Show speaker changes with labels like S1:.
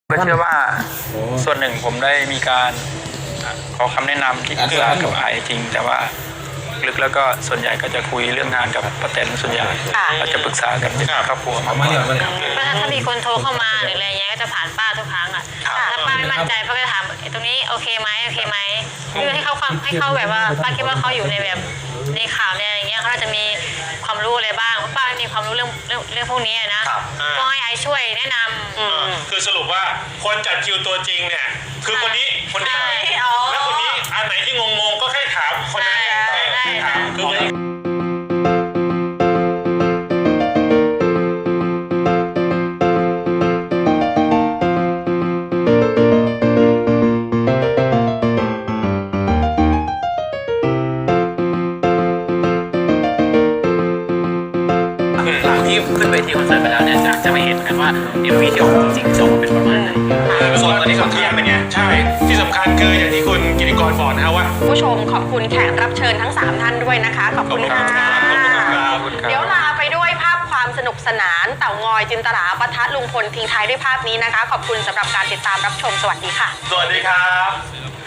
S1: ก็เชื่อว่าส่วนหนึ่งผมได้มีการขอคำแนะนำที่ปรึกษากับไอจริงแต่ว่าลึกแล้วก็ส่วนใหญ่ก็จะคุยเรื่องงานกับป้าแตนส่วนใหญ่ก็จะปรึกษากันเป็นครอบครัวมากกว่า
S2: ถ้ามีคนโทรเข้ามาหรืออะไรเงี้ยก็จะผ่านป้าทุกครั้งอ่ะถ้าป้าไม่มั่นใจป้าก็จะถามตรงนี้โอเคไหมคือให้เขาแบบว่าป้าคิดว่าเขาอยู่ในแบบในข่าวในอะไรเงี้ยเขาจะมีความรู้อะไรบ้างป้าไม่มีความรู้เรื่องพวกนี้นะก็ให้ไอช่วยแนะนำ
S3: คือสรุปว่าคนจัดคิวตัวจริงเนี่ยคือคนนี้แล้วคนนี้อันไหนที่งงก็แค่ถามคนนั้นถามคือ
S4: หลังที่ขึ้นเวทีคอนเสิร์ตไปแล้วเนี่ยจะไม่เห็นกันว่า MV ที่ออกจริงๆจะออกมาเป็นประมาณไหน
S3: ส่วนตอนนี้สำคัญเป็นไงใช่ที่สำคัญคืออย่างที่คุณกิติกรบอกนะครับว่า
S5: ผู้ชมขอบคุณแขกรับเชิญทั้ง3ท่านด้วยนะคะขอบคุณค่ะเดี๋ยวลาไปด้วยภาพความสนุกสนานเต่างอยจินตลาปะทะลุงพลทิ้งท้ายด้วยภาพนี้นะคะขอบคุณสำหรับการติดตามรับชมสวัสดีค่ะ
S3: สวัสดีครับ